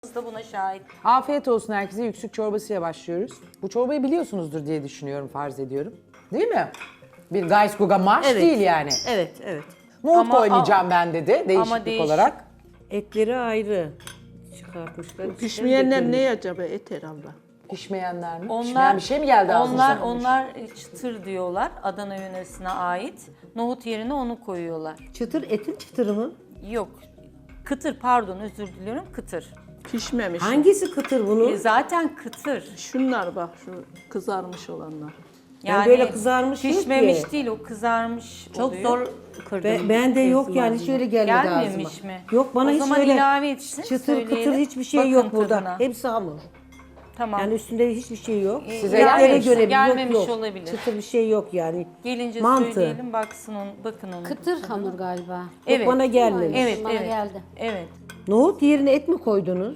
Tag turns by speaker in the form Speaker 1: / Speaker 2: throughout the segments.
Speaker 1: da buna şahit.
Speaker 2: Afiyet olsun herkese. Yüksük çorbasıyla başlıyoruz. Bu çorbayı biliyorsunuzdur diye düşünüyorum, farz ediyorum. Değil mi? Bir Gayskuga marş
Speaker 3: Evet.
Speaker 2: değil yani.
Speaker 3: Evet, evet.
Speaker 2: Nohut
Speaker 1: Ama-
Speaker 2: koymayacağım ben dedi değişiklik
Speaker 1: değişik.
Speaker 2: olarak.
Speaker 3: Etleri ayrı çıkartmışlar.
Speaker 4: Pişmeyenler ne acaba? Et herhalde.
Speaker 2: Pişmeyenler mi? Pişmeyen bir şey mi geldi ağzınıza?
Speaker 1: Onlar çıtır diyorlar. Adana yöresine ait. Nohut yerine onu koyuyorlar.
Speaker 3: Çıtır, etin çıtırı mı?
Speaker 1: Yok. Kıtır, pardon, özür diliyorum. Kıtır.
Speaker 4: Pişmemiş.
Speaker 3: Hangisi kıtır bunun?
Speaker 1: Zaten kıtır.
Speaker 4: Şunlar bak, şu kızarmış olanlar.
Speaker 3: Yani böyle kızarmış yok
Speaker 1: pişmemiş
Speaker 3: ki.
Speaker 1: değil, o kızarmış
Speaker 3: Çok
Speaker 1: oluyor.
Speaker 3: zor kırdım. Ben de yok yani hiç öyle gelmedi ağzıma.
Speaker 1: Gelmemiş mi?
Speaker 3: Yok bana
Speaker 1: O
Speaker 3: hiç
Speaker 1: zaman
Speaker 3: öyle
Speaker 1: ilave etsin,
Speaker 3: çıtır
Speaker 1: söyleyelim.
Speaker 3: kıtır hiçbir şey
Speaker 1: Bakın
Speaker 3: yok burada.
Speaker 1: tadına.
Speaker 3: Hepsi hamur.
Speaker 1: Tamam.
Speaker 3: Yani üstünde hiçbir şey yok.
Speaker 2: Size
Speaker 3: Etlere
Speaker 2: gelmemiş.
Speaker 3: göre bir
Speaker 1: Gelmemiş
Speaker 3: yok.
Speaker 1: olabilir.
Speaker 3: Çıtır bir şey yok yani.
Speaker 1: Gelince
Speaker 3: Mantı.
Speaker 1: söyleyelim, bakın onu.
Speaker 5: Kıtır hamur galiba.
Speaker 1: Evet.
Speaker 3: Bana gelmemiş.
Speaker 1: Evet,
Speaker 5: Bana
Speaker 1: evet.
Speaker 5: geldi.
Speaker 1: Evet.
Speaker 3: Nohut yerine et mi koydunuz?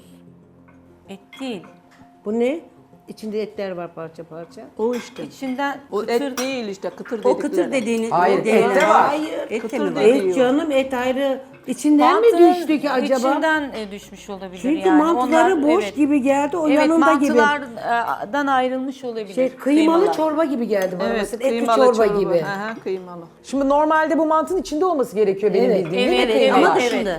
Speaker 1: Et değil.
Speaker 3: Bu ne? İçinde etler var parça parça.
Speaker 4: O işte.
Speaker 1: İçinden
Speaker 4: O
Speaker 1: kıtır
Speaker 4: et değil işte, kıtır
Speaker 6: O
Speaker 4: dedikleri.
Speaker 6: kıtır dediğiniz.
Speaker 2: Hayır,
Speaker 6: o değil.
Speaker 2: et de var.
Speaker 3: Hayır.
Speaker 6: Et de
Speaker 4: Kıtır
Speaker 6: mi var?
Speaker 4: dedi.
Speaker 3: Et canım et ayrı. İçinden mi
Speaker 1: Mantının
Speaker 3: düştü ki acaba?
Speaker 1: içinden düşmüş olabilir
Speaker 3: Çünkü
Speaker 1: yani.
Speaker 3: mantıları
Speaker 1: Onlar-
Speaker 3: boş
Speaker 1: evet.
Speaker 3: gibi geldi. O
Speaker 1: Evet,
Speaker 3: yanında gibi.
Speaker 1: mantılardan ayrılmış olabilir.
Speaker 3: Kıymalı
Speaker 1: Kıymalar.
Speaker 3: çorba gibi geldi bana
Speaker 4: Evet,
Speaker 3: mesela. Etli
Speaker 4: kıymalı
Speaker 3: çorba gibi.
Speaker 4: Aha, kıymalı.
Speaker 2: Şimdi normalde bu mantının içinde olması gerekiyor benim
Speaker 3: Evet.
Speaker 2: bildiğim değil mi?
Speaker 1: Evet,
Speaker 2: kıymalar?
Speaker 6: Ama
Speaker 1: evet.
Speaker 6: dışında.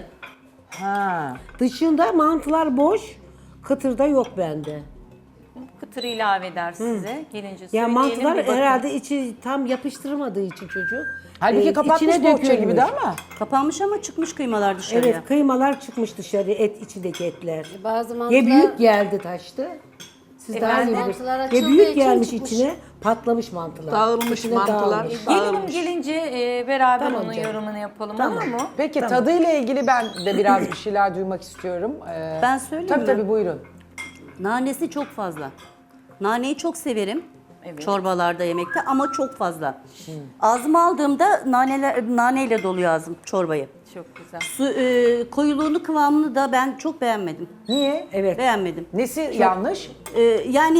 Speaker 2: Ha.
Speaker 3: Dışında mantılar boş. Kıtırda yok bende.
Speaker 1: Kıtır ilave eder size. Gelince
Speaker 3: Ya
Speaker 1: söyleyelim.
Speaker 3: mantılar
Speaker 1: bir bakın.
Speaker 3: herhalde içi tam yapıştırmadığı için çocuk.
Speaker 2: Halbuki kapatmış
Speaker 3: içine
Speaker 2: bohça
Speaker 3: dökülmüş.
Speaker 2: gibi de ama.
Speaker 6: Kapanmış ama çıkmış kıymalar dışarıya.
Speaker 3: Evet kıymalar çıkmış dışarı içindeki etler.
Speaker 5: Bazı mantılar
Speaker 3: Ya büyük geldi taştı. Siz daha iyi
Speaker 5: mantılar
Speaker 3: bilirsiniz. Ya
Speaker 5: açıldığı
Speaker 3: büyük
Speaker 5: için
Speaker 3: gelmiş
Speaker 5: çıkmış.
Speaker 3: içine patlamış mantılar.
Speaker 4: Dağılmış
Speaker 3: İçine
Speaker 4: mantılar.
Speaker 3: dağılmış.
Speaker 1: Gelinim gelince beraber
Speaker 3: Tamam
Speaker 1: onun
Speaker 3: canım.
Speaker 1: yorumunu yapalım,
Speaker 3: Tamam.
Speaker 1: olur mu?
Speaker 2: Peki tadıyla ilgili ben de biraz bir şeyler duymak istiyorum.
Speaker 6: Ben söyleyeyim
Speaker 2: Tabii
Speaker 6: mi?
Speaker 2: tabii buyurun.
Speaker 6: Nanesi çok fazla. Naneyi çok severim.
Speaker 1: Evet.
Speaker 6: Çorbalarda, yemekte ama çok fazla. Ağzıma aldığımda naneyle doluyor ağzım çorbayı.
Speaker 1: Çok güzel.
Speaker 6: Koyuluğunu, kıvamını da ben çok beğenmedim.
Speaker 2: Niye?
Speaker 3: Evet.
Speaker 6: Beğenmedim.
Speaker 2: Nesi yanlış?
Speaker 6: Yani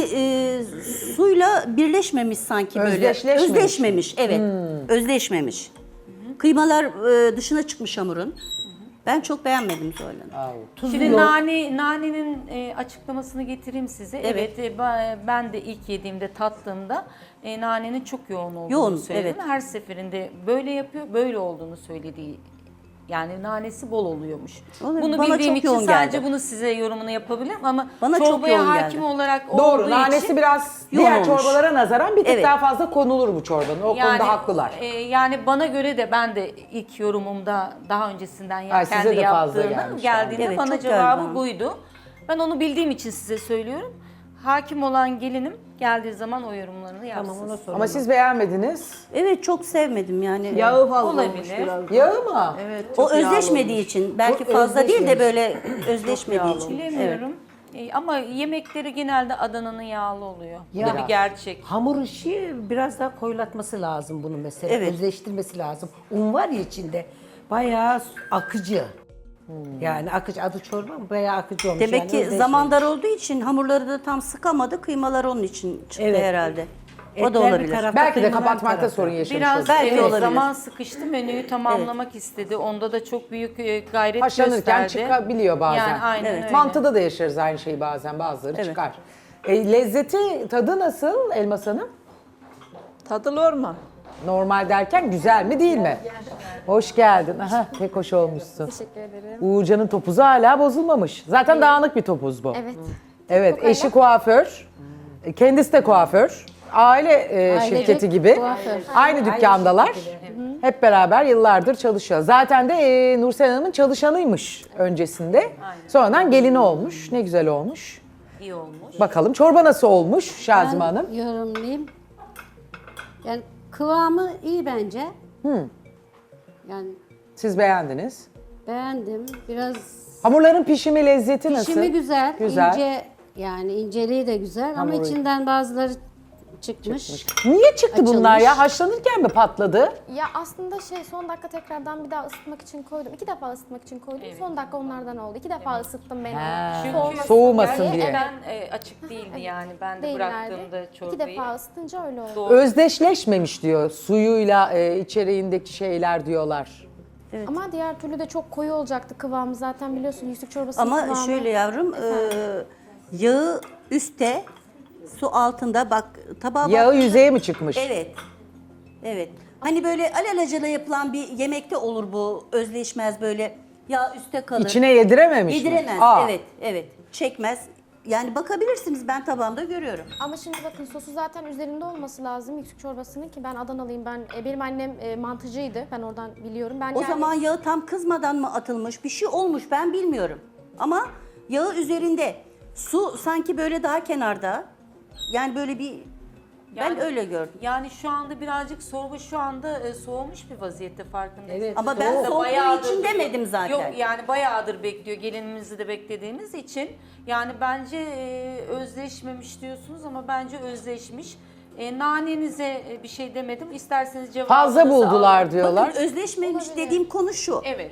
Speaker 6: suyla birleşmemiş sanki böyle.
Speaker 2: Özdeşleşmemiş.
Speaker 6: Özdeşmemiş, evet. Özdeşmemiş. Kıymalar dışına çıkmış hamurun. Ben çok beğenmedim Zuhal Hanım.
Speaker 1: Şimdi nanenin açıklamasını getireyim size.
Speaker 6: Evet.
Speaker 1: Ben de ilk yediğimde, tattığımda nanenin çok yoğun olduğunu
Speaker 6: Yoğun,
Speaker 1: söyledim.
Speaker 6: evet.
Speaker 1: Her seferinde böyle yapıyor, böyle olduğunu söylediği. Yani nanesi bol oluyormuş.
Speaker 6: Olabilir.
Speaker 1: Bunu
Speaker 6: Bana
Speaker 1: bildiğim
Speaker 6: çok
Speaker 1: için
Speaker 6: yoğun
Speaker 1: sadece
Speaker 6: geldi.
Speaker 1: bunu size yorumunu yapabilirim ama
Speaker 6: Bana çok
Speaker 1: çorbaya
Speaker 6: yoğun
Speaker 1: hakim
Speaker 6: geldi.
Speaker 1: olarak
Speaker 2: Doğru.
Speaker 1: olduğu
Speaker 2: Nanesi
Speaker 1: için
Speaker 2: biraz
Speaker 6: yoğun
Speaker 2: diğer
Speaker 6: olmuş.
Speaker 2: çorbalara nazaran bir tık
Speaker 6: Evet.
Speaker 2: daha fazla konulur bu çorbanın. O konuda haklılar.
Speaker 1: Yani bana göre de ben de ilk yorumumda daha öncesinden
Speaker 2: Ay, size
Speaker 1: kendi
Speaker 2: de fazla
Speaker 1: yaptığımda
Speaker 2: gelmiş
Speaker 1: geldiğinde
Speaker 6: yani. Evet,
Speaker 1: bana
Speaker 6: çok geldi
Speaker 1: cevabı
Speaker 6: bana.
Speaker 1: buydu. Ben onu bildiğim için size söylüyorum. Hakim olan gelinim geldiği zaman o yorumlarını yapsın.
Speaker 3: Tamam ona sorun.
Speaker 2: Ama siz beğenmediniz.
Speaker 6: Evet, çok sevmedim yani.
Speaker 4: Yağı fazla olmuş
Speaker 1: Olabilir.
Speaker 4: biraz.
Speaker 2: Yağı mı?
Speaker 4: Evet,
Speaker 6: O
Speaker 4: çok yağlı
Speaker 6: özleşmediği
Speaker 4: olmuş.
Speaker 6: için, belki
Speaker 3: O
Speaker 6: fazla değil de
Speaker 3: özleşmemiş.
Speaker 6: böyle özleşmediği için.
Speaker 1: Bilemiyorum. Ama yemekleri genelde Adana'nın yağlı oluyor. Bu da bir gerçek.
Speaker 3: Hamur işi biraz daha koyulatması lazım bunu mesela.
Speaker 6: Evet.
Speaker 3: Özleştirmesi lazım. Un var ya içinde. Bayağı akıcı. Yani akıcı adı çorba mı? Bayağı akıcı olmuş.
Speaker 6: Demek
Speaker 3: yani
Speaker 6: ki
Speaker 3: özleşmemiş.
Speaker 6: zaman dar olduğu için hamurları da tam sıkamadı. Kıymalar onun için çıktı
Speaker 3: Evet.
Speaker 6: herhalde. O
Speaker 3: Etler
Speaker 6: da
Speaker 3: bir
Speaker 6: olabilir.
Speaker 3: tarafta,
Speaker 2: Belki de
Speaker 3: kıymalar bir
Speaker 2: kapatmakta
Speaker 3: tarafta.
Speaker 2: sorun yaşamış
Speaker 1: Biraz
Speaker 2: olabilir.
Speaker 6: Belki
Speaker 1: evet,
Speaker 6: olabilir.
Speaker 1: zaman sıkıştı, menüyü tamamlamak istedi. Onda da çok büyük gayret
Speaker 2: Haşlanırken
Speaker 1: gösterdi.
Speaker 2: çıkabiliyor bazen.
Speaker 1: Yani aynen öyle.
Speaker 2: Mantıda da yaşarız aynı şeyi bazen. Bazıları
Speaker 6: Evet.
Speaker 2: çıkar. Lezzeti, tadı nasıl Elmas Hanım?
Speaker 4: Tadılır mı?
Speaker 2: Normal derken güzel mi değil mi? Hoş geldin. Aha, pek hoş olmuşsun.
Speaker 7: Teşekkür ederim.
Speaker 2: Uğurcan'ın topuzu hala bozulmamış. Zaten dağınık bir topuz bu.
Speaker 7: Evet.
Speaker 2: Evet, eşi kuaför. Kendisi de kuaför. Aile şirketi gibi.
Speaker 5: kuaför.
Speaker 2: Aynı dükkandalar. Hep beraber yıllardır çalışıyor. Zaten de Nursel Hanım'ın çalışanıymış öncesinde. Sonradan gelini olmuş. Ne güzel olmuş.
Speaker 1: İyi olmuş.
Speaker 2: Bakalım çorba nasıl olmuş Şazime Hanım?
Speaker 5: Ben yorumlayayım. Yani kıvamı iyi bence. Yani
Speaker 2: Siz beğendiniz.
Speaker 5: beğendim. Biraz
Speaker 2: Hamurların pişimi, lezzeti nasıl?
Speaker 5: pişimi güzel,
Speaker 2: Güzel.
Speaker 5: ince, yani inceliği de güzel ama
Speaker 2: Hamuru-
Speaker 5: içinden bazıları çıkmış.
Speaker 2: Niye çıktı bunlar
Speaker 5: Açılmış.
Speaker 2: ya? Haşlanırken mi patladı?
Speaker 7: Ya aslında son dakika tekrardan bir daha ısıtmak için koydum. 2 defa ısıtmak için koydum. Son dakika onlardan oldu. 2 defa ısıttım ben onu.
Speaker 1: Çünkü
Speaker 2: soğumasın diye.
Speaker 1: Ben açık değildi yani. Ben de
Speaker 7: Değillerdi.
Speaker 1: bıraktığımda
Speaker 7: 2
Speaker 1: çorbayı.
Speaker 7: defa ısıtınca öyle oldu.
Speaker 1: Doğru.
Speaker 2: Özdeşleşmemiş diyor. Suyuyla içeriğindeki şeyler diyorlar.
Speaker 7: Ama diğer türlü de çok koyu olacaktı kıvamı. Zaten biliyorsun yüksek çorbasının
Speaker 6: Ama
Speaker 7: kıvamı.
Speaker 6: şöyle yavrum, yağı üstte, su altında, bak tabağa
Speaker 2: Yağı
Speaker 6: bak.
Speaker 2: yüzeye mi çıkmış?
Speaker 6: Evet. Evet. Hani böyle alelacele yapılan bir yemekte olur bu, özleşmez böyle. Yağ üstte kalır.
Speaker 2: İçine yedirememiş mi?
Speaker 6: Yediremez.
Speaker 2: Aa.
Speaker 6: Evet, evet. Çekmez. Yani bakabilirsiniz, ben tabağımda görüyorum.
Speaker 7: Ama şimdi bakın sosu zaten üzerinde olması lazım yüksek çorbasının ki ben Adanalıyım. Benim annem mantıcıydı. Ben oradan biliyorum. Ben
Speaker 6: O zaman yağı tam kızmadan mı atılmış, bir şey olmuş, ben bilmiyorum. Ama yağı üzerinde, su sanki böyle daha kenarda. Yani böyle bir, ben öyle gördüm.
Speaker 1: Yani şu anda birazcık sorgu şu anda soğumuş bir vaziyette farkındayız.
Speaker 3: Evet,
Speaker 6: Ama ben soğuduğu
Speaker 1: Bayağıdır-
Speaker 6: için demedim zaten.
Speaker 1: Yok yani bayağıdır bekliyor gelinimizi de beklediğimiz için. Yani bence özleşmemiş diyorsunuz ama bence özleşmiş. Nanenize bir şey demedim. İsterseniz cevabınızı
Speaker 2: Fazla buldular
Speaker 1: alın.
Speaker 2: diyorlar.
Speaker 6: Bakın özleşmemiş dediğim konu şu.
Speaker 1: Evet.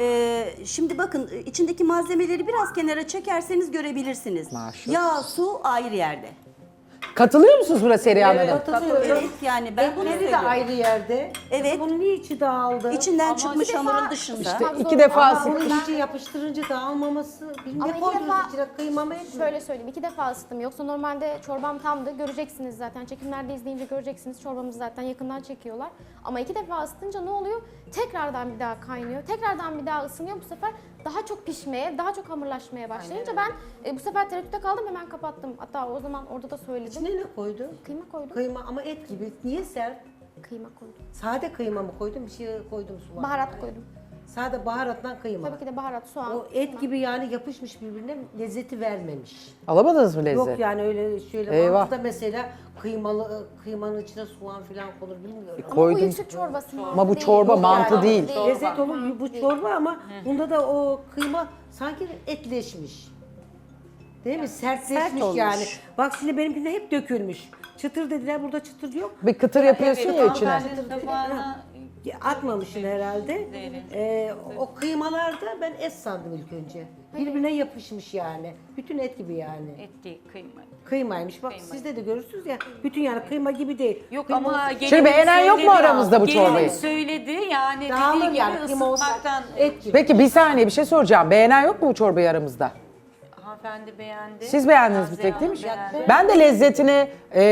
Speaker 6: Şimdi bakın içindeki malzemeleri biraz kenara çekerseniz görebilirsiniz.
Speaker 2: Maşallah.
Speaker 6: Yağ, su ayrı yerde.
Speaker 2: Katılıyor musunuz buna Serihan Hanım?
Speaker 6: Evet yani ben bunu
Speaker 3: Ekleri de
Speaker 6: söylüyorum.
Speaker 3: ayrı yerde.
Speaker 6: Evet.
Speaker 3: Bunun niye içi dağıldı?
Speaker 6: İçinden çıkmış hamurun dışında.
Speaker 2: İşte
Speaker 7: Ama
Speaker 2: iki defa
Speaker 3: Ama
Speaker 2: sıkmış.
Speaker 3: bunun içi yapıştırınca dağılmaması.
Speaker 7: Ama
Speaker 3: Bilmiyorum,
Speaker 7: iki
Speaker 3: koydunuz
Speaker 7: defa-
Speaker 3: içine kıyma mı et mi?
Speaker 7: Şöyle söyleyeyim, 2 defa ısıttım. Yoksa normalde çorbam tamdı. Göreceksiniz zaten. Çekimlerde izleyince göreceksiniz. Çorbamızı zaten yakından çekiyorlar. Ama 2 defa ısıtınca ne oluyor? Tekrardan bir daha kaynıyor. Tekrardan bir daha ısınıyor. Bu sefer daha çok pişmeye, daha çok hamurlaşmaya başlayınca ben bu sefer tereddütte kaldım. Hemen kapattım. Hatta o zaman orada da söyledim.
Speaker 3: İçine ne koydun?
Speaker 7: Kıyma koydum.
Speaker 3: Kıyma ama et gibi. Niye sert?
Speaker 7: Kıyma koydum.
Speaker 3: Sade kıyma mı koydun? Bir şey koydum soğan.
Speaker 7: Baharat koydum.
Speaker 3: Sade baharatla kıyma.
Speaker 7: Tabii ki de baharat, soğan.
Speaker 3: O et gibi yani yapışmış birbirine, lezzeti vermemiş.
Speaker 2: Alamadınız mı lezzet?
Speaker 3: Yok yani öyle şöyle
Speaker 2: Eyvah.
Speaker 3: mantıda mesela kıymanın içine soğan falan konur bilmiyorum.
Speaker 7: Ama bu
Speaker 2: koydum.
Speaker 7: yüksek çorbası mı?
Speaker 2: Ama bu çorba mantı değil.
Speaker 3: Lezzet olur bu çorba ama bunda da o kıyma sanki etleşmiş. Değil mi? Sertleşmiş
Speaker 6: Sert olmuş.
Speaker 3: yani. Bak şimdi benimkinde hep dökülmüş. Çıtır dediler, burada çıtır yok.
Speaker 2: Bir kıtır yapıyorsun ya içine.
Speaker 1: Hanımefendinin tabağına
Speaker 3: Atmamışsın herhalde. O kıymalarda ben et sandım ilk önce. Birbirine yapışmış yani. Bütün et gibi yani.
Speaker 1: et değil, kıyma.
Speaker 3: Kıymaymış. Bak sizde de görürsünüz ya. Bütün yani kıyma gibi değil.
Speaker 1: Yok
Speaker 3: Kıyma
Speaker 1: ama
Speaker 3: olsun.
Speaker 1: gelinin
Speaker 2: beğenen yok mu
Speaker 1: söyledi-
Speaker 2: aramızda bu çorbayı?
Speaker 1: Gelinin söyledi yani
Speaker 3: Dağılır
Speaker 1: dediği
Speaker 3: yani
Speaker 1: gibi
Speaker 3: kıyma olsa
Speaker 1: ısıtmaktan.
Speaker 3: et gibi.
Speaker 2: Peki bir saniye bir şey soracağım. Beğenen yok mu bu çorbayı aramızda?
Speaker 1: Hanımefendi beğendi.
Speaker 2: Siz beğendiniz bir
Speaker 1: Nazihe
Speaker 2: tek değil mi?
Speaker 1: Hanım beğendi.
Speaker 2: Ben de lezzetini,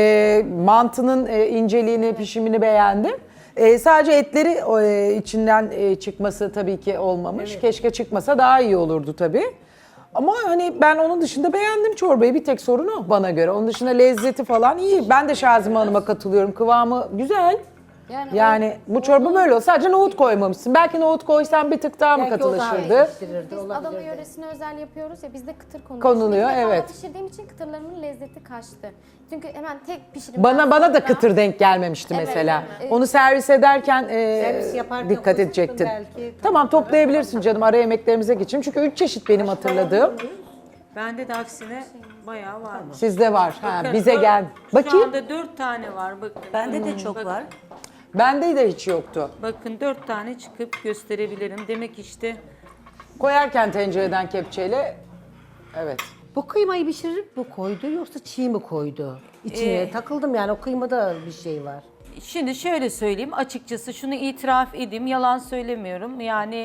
Speaker 2: mantının inceliğini, pişimini beğendim. Sadece etleri içinden çıkması tabii ki olmamış. Keşke çıkmasa daha iyi olurdu tabii. Ama hani ben onun dışında beğendim çorbayı. Bir tek sorun o bana göre. Onun dışında lezzeti falan iyi. Ben de Şazime Hanım'a katılıyorum. Kıvamı güzel. Yani bu çorba böyle olsa sadece nohut koymamışsın. Belki nohut koysan bir tık daha mı
Speaker 3: Belki o daha
Speaker 2: katılaşırdı?
Speaker 3: yetiştirirdi,
Speaker 7: Biz
Speaker 3: olabilirdi.
Speaker 7: Adana yöresine özel yapıyoruz ya bizde kıtır konuluyor.
Speaker 2: Konuluyor,
Speaker 7: İlk defa
Speaker 2: evet.
Speaker 7: pişirdiğim için kıtırlarımın lezzeti kaçtı. Çünkü hemen tek pişirim.
Speaker 2: Bana da kıtır denk gelmemişti
Speaker 7: Evet,
Speaker 2: mesela.
Speaker 7: evet.
Speaker 2: Onu servis ederken
Speaker 3: Servis yaparken
Speaker 2: dikkat
Speaker 3: koysaydın
Speaker 2: edecektin.
Speaker 3: belki.
Speaker 2: Tamam toplayabilirsin canım ara yemeklerimize geçelim. Çünkü 3 çeşit benim hatırladığım.
Speaker 1: Bende de aksine bayağı var.
Speaker 2: Sizde var. Ha,
Speaker 1: Bakın,
Speaker 2: bize gel.
Speaker 1: Şu
Speaker 2: Bakayım.
Speaker 1: anda 4 tane var bakın.
Speaker 6: Bende de çok var.
Speaker 2: Bende de hiç yoktu.
Speaker 1: Bakın 4 tane çıkıp gösterebilirim. Demek işte
Speaker 2: Koyarken tencereden kepçeyle evet.
Speaker 3: Bu kıymayı pişirip bu koydu yoksa çiğ mi koydu? İçine takıldım yani o kıymada bir şey var.
Speaker 1: şimdi şöyle söyleyeyim açıkçası şunu itiraf edeyim yalan söylemiyorum. Yani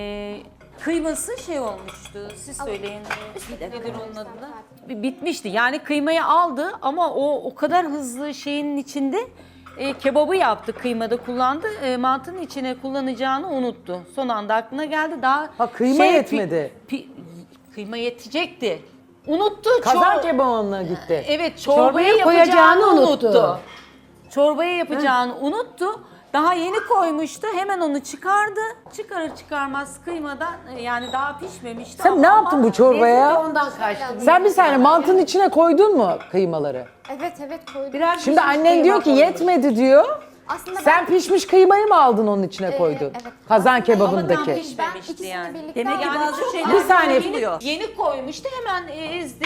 Speaker 1: kıyması şey olmuştu siz söyleyin nedir onun adı da? Bitmişti yani kıymayı aldı ama o kadar hızlı şeyin içinde kebabı yaptı kıymada kullandı mantının içine kullanacağını unuttu. Son anda aklına geldi daha
Speaker 2: Ha, kıyma yetmedi.
Speaker 1: Kıyma yetecekti. Unuttu.
Speaker 2: Kazan kebabına gitti.
Speaker 1: Evet
Speaker 3: Çorbaya
Speaker 1: çorbaya
Speaker 3: koyacağını
Speaker 1: yapacağını
Speaker 3: unuttu.
Speaker 1: unuttu. Çorbaya yapacağını unuttu. Daha yeni koymuştu. Hemen onu çıkardı. Çıkarır çıkarmaz kıymadan yani daha pişmemişti.
Speaker 2: Sen ne yaptın bu çorbaya?
Speaker 3: Ondan kaçtı.
Speaker 2: Sen bir saniye mantının içine koydun mu kıymaları?
Speaker 7: Evet koydum.
Speaker 3: Biraz
Speaker 2: Şimdi
Speaker 3: pişmiş
Speaker 2: annen diyor ki
Speaker 3: kıyma koymuş.
Speaker 2: yetmedi diyor.
Speaker 7: Aslında
Speaker 2: Sen pişmiş kıymayı mı aldın onun içine koydun?
Speaker 7: evet.
Speaker 2: Kazan
Speaker 1: Ama tam
Speaker 2: kebabındaki.
Speaker 7: ben
Speaker 1: pişmemişti
Speaker 7: ikisini
Speaker 1: yani.
Speaker 7: birlikte
Speaker 6: Demek ki
Speaker 7: aldım.
Speaker 6: bazı şeyler
Speaker 2: Bir saniye.
Speaker 1: Yeni koymuştu hemen ezdi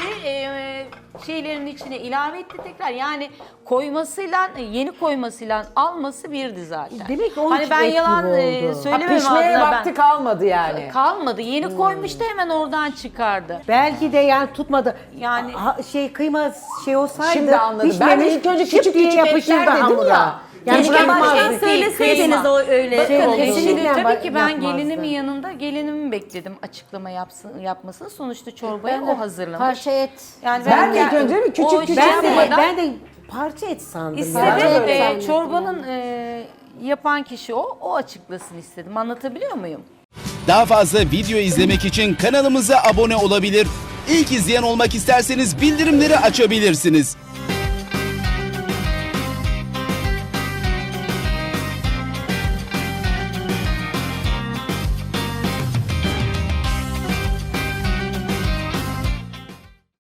Speaker 1: şeylerin içine ilave etti tekrar. Yani koymasıyla yeni koymasıyla alması birdi zaten.
Speaker 3: Demek ki onun
Speaker 1: hani
Speaker 3: için
Speaker 1: ben
Speaker 3: et gibi
Speaker 1: yalan
Speaker 3: oldu.
Speaker 2: Ha,
Speaker 1: söylemem
Speaker 2: pişmeye
Speaker 1: adına
Speaker 2: vakti
Speaker 1: ben.
Speaker 2: kalmadı yani.
Speaker 1: Kalmadı. Yeni koymuştu hemen oradan çıkardı.
Speaker 3: Belki de yani tutmadı.
Speaker 1: Yani-
Speaker 3: Kıyma şey olsaydı
Speaker 2: Şimdi anladım. Ben de
Speaker 3: pişmemiş,
Speaker 2: ilk önce
Speaker 3: şıp
Speaker 2: küçük
Speaker 3: diye
Speaker 2: küçük
Speaker 3: yapışırdı
Speaker 2: etler dedim
Speaker 3: hamura.
Speaker 2: ya.
Speaker 3: Yani
Speaker 6: Keşke
Speaker 3: bırakmazdı.
Speaker 6: baştan söyleseydiniz o öyle
Speaker 3: Şey
Speaker 1: Bakın
Speaker 3: oldu.
Speaker 1: şimdi
Speaker 3: Kesinlikle
Speaker 1: tabii ki ben
Speaker 3: yapmazdı.
Speaker 1: gelinimin yanında gelinimi bekledim açıklama yapmasını. Sonuçta çorbayı
Speaker 5: Ben de
Speaker 1: o hazırlamış.
Speaker 5: parça et.
Speaker 1: Yani
Speaker 2: Ben de ilk önce bir küçük
Speaker 1: o
Speaker 2: küçük
Speaker 3: Ben de,
Speaker 1: yapmadan
Speaker 3: ben de parça et sandım.
Speaker 1: istedim.
Speaker 3: ya.
Speaker 5: Ben de öyle zannettim
Speaker 1: Çorbanın yapan kişi o açıklasın istedim. Anlatabiliyor muyum?
Speaker 8: Daha fazla video izlemek için kanalımıza abone olabilir. İlk izleyen olmak isterseniz bildirimleri açabilirsiniz.